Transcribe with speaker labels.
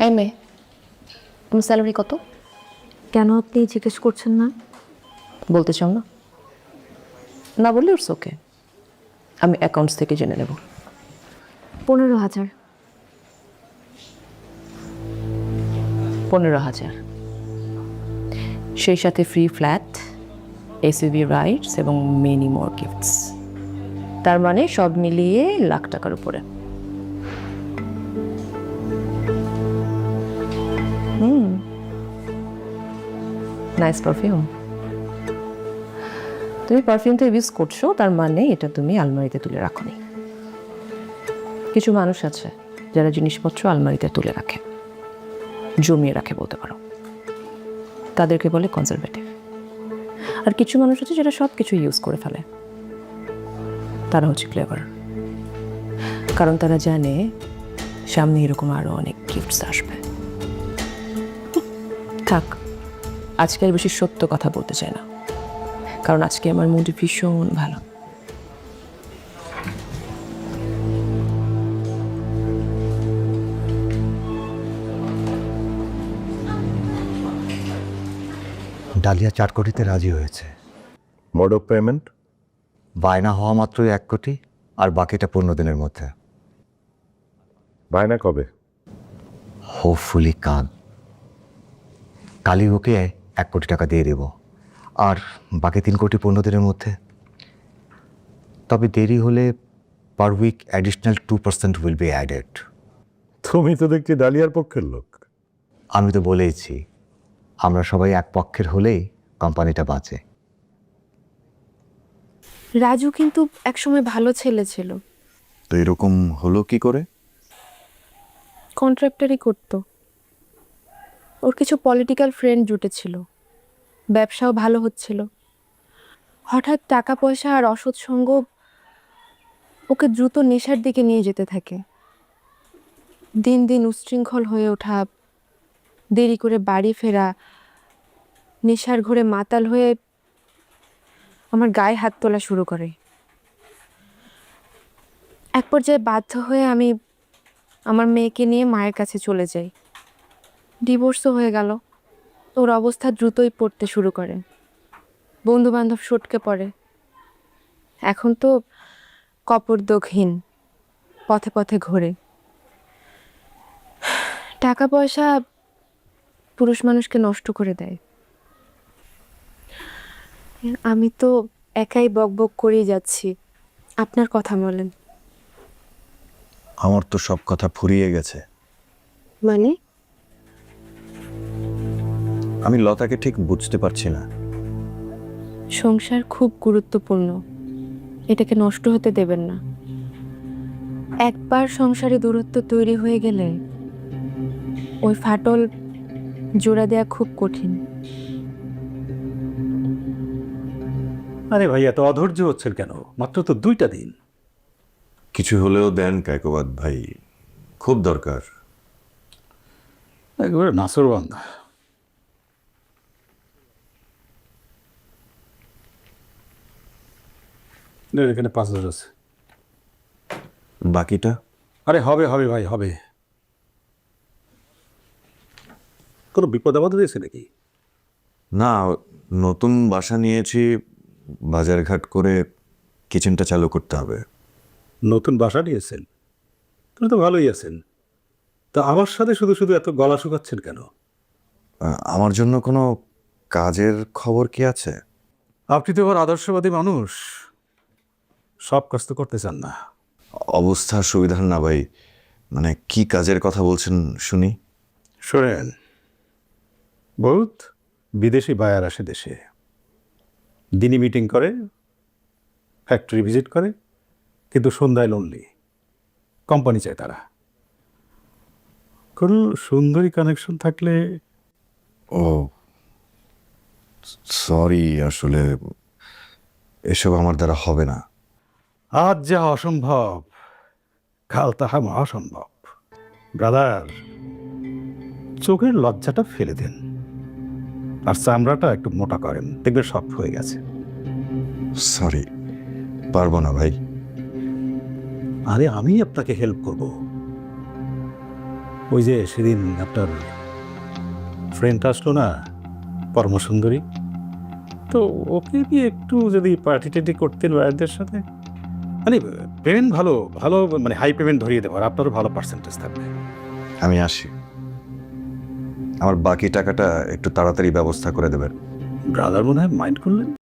Speaker 1: এই মেয়ে, তোমার স্যালারি কত?
Speaker 2: কেন আপনি জিজ্ঞেস করছেন না?
Speaker 1: বলতে চাও না? না বললে ইটস ওকে, আমি অ্যাকাউন্টস থেকে জেনে নেব।
Speaker 2: 15,000।
Speaker 1: 15,000, সেই সাথে ফ্রি ফ্ল্যাট, এসইউভি রাইডস এবং মেনি মোর গিফটস। তার মানে সব মিলিয়ে লাখ টাকার উপরে। Nice perfume. তুমি পারফিউমটা ইউজ করছো, তার মানে এটা তুমি আলমারিতে তুলে রাখোনি। কিছু মানুষ আছে যারা জিনিসপত্র আলমারিতে তুলে রাখে, জমিয়ে রাখে বলতে পারো, তাদেরকে বলে কনজারভেটিভ। আর কিছু মানুষ আছে যারা সব কিছু ইউজ করে ফেলে, তারা হচ্ছে ক্লেভার। কারণ তারা জানে সামনে এরকম আরো অনেক গিফটস আসবে। থাক, আজকে আর বেশি সত্য কথা বলতে চাই না, কারণ আজকে আমার মুড ভীষণ ভালো।
Speaker 3: ডালিয়া 4 কোটিতে রাজি হয়েছে।
Speaker 4: Mode of payment?
Speaker 3: বায়না হওয়া মাত্রই 1 কোটি, আর বাকিটা 15 দিনের মধ্যে।
Speaker 4: বায়না কবে?
Speaker 3: হোপফুলি কালই ওকে 1 কোটি টাকা দিয়ে দেব, আর বাকি 3 কোটি 15 দিনের মধ্যে। তবে দেরি হলে per week additional 2% will be added.
Speaker 4: তুমি তো দেখছি ডালিয়ার পক্ষের লোক।
Speaker 3: আমি তো বলেইছি, আমরা সবাই এক পক্ষের হলেই কোম্পানিটা বাঁচে।
Speaker 2: রাজু কিন্তু একসময় ভালো ছেলে ছিল,
Speaker 5: তো এরকম হলো কি করে?
Speaker 2: কন্ট্রাক্টরই করত। ওর কিছু পলিটিক্যাল ফ্রেন্ড জুটেছিল, ব্যবসাও ভালো হচ্ছিল। হঠাৎ টাকা পয়সা আর অসৎ সঙ্গ ওকে দ্রুত নেশার দিকে নিয়ে যেতে থাকে। দিন দিন উচ্ছৃঙ্খল হয়ে ওঠা, দেরি করে বাড়ি ফেরা, নেশার ঘোরে মাতাল হয়ে আমার গায়ে হাত তোলা শুরু করে। এক পর্যায়ে বাধ্য হয়ে আমি আমার মেয়েকে নিয়ে মায়ের কাছে চলে যাই। ডিভোর্সও হয়ে গেল। ওর অবস্থা দ্রুতই পড়তে শুরু করে, বন্ধু বান্ধব সটকে পড়ে। এখন তো কপরদকহীন, পথে পথে ঘোরে। টাকা পয়সা পুরুষ মানুষকে নষ্ট করে দেয়। আমি তো একাই বকবক করেই যাচ্ছি, আপনার কথা বলেন।
Speaker 5: আমার তো সব কথা ফুরিয়ে গেছে।
Speaker 2: মানে?
Speaker 5: আমি লতাকে ঠিক বুঝতে পারছি না।
Speaker 2: সংসার খুব গুরুত্বপূর্ণ, এটাকে নষ্ট হতে দেবেন না। একবার সংসারে দূরত্ব তৈরি হয়ে গেলে ওই ফাটল জোড়া দেয়া খুব কঠিন।
Speaker 6: আরে ভাই, এত অধৈর্য হচ্ছেন কেন? মাত্র তো 2টা দিন।
Speaker 7: কিছু হলেও দেন কায়কোবাদ ভাই, খুব দরকার।
Speaker 6: একেবারে নাসরবান্দা। এখানে 5,000 আছে।
Speaker 5: বাকিটা?
Speaker 6: আরে হবে হবে ভাই, হবে। কোনো বিপদ আপদ হয়েছে নাকি?
Speaker 5: না, নতুন বাসা নিয়েছি, বাজারঘাট করে কিচেনটা চালু করতে হবে।
Speaker 6: নতুন বাসা নিয়েছেন? তুমি তো ভালোই আছেন। তা আমার সাথে শুধু শুধু এত গলা শুকাচ্ছেন কেন?
Speaker 5: আমার জন্য কোনো কাজের খবর কি আছে?
Speaker 6: আপনি তো আবার আদর্শবাদী মানুষ, সব কাজ তো করতে চান না।
Speaker 5: অবস্থা সুবিধার না ভাই, মানে কি কাজের কথা বলছেন শুনি।
Speaker 6: শোনেন, বহুত বিদেশি বায়ার আসে দেশে, দিনই মিটিং করে, ফ্যাক্টরি ভিজিট করে, কিন্তু সন্ধ্যায় লোনলি। কোম্পানি চায় তারা। কোনো সুন্দরী কানেকশন থাকলে।
Speaker 5: ও সরি, আসলে এসব আমার দ্বারা হবে না।
Speaker 6: আজ যা অসম্ভব, কাল তাহা মহাসম্ভব। ব্রাদার, চোখের লজ্জাটা ফেলে দেন, আর চামড়াটা একটু মোটা করেন, দেখবে সব হয়ে গেছে।
Speaker 5: সরি, পারবো না ভাই।
Speaker 6: আরে আমি আপনাকে হেল্প করব। ওই যে সেদিন আপনার ফ্রেন্ড আসলো না, পরমসুন্দরী, তো ওকে দিয়ে একটু যদি পার্টি টার্টি করতেন ওয়ারদের সাথে, মানে পেমেন্ট ভালো ভালো, মানে হাই পেমেন্ট ধরিয়ে দেবো, আর আপনারও ভালো পার্সেন্টেজ থাকবে।
Speaker 5: আমি আসি, আমার বাকি টাকাটা একটু তাড়াতাড়ি ব্যবস্থা করে দেবেন।
Speaker 6: ব্রাদার মনে হয় মাইন্ড করলেন।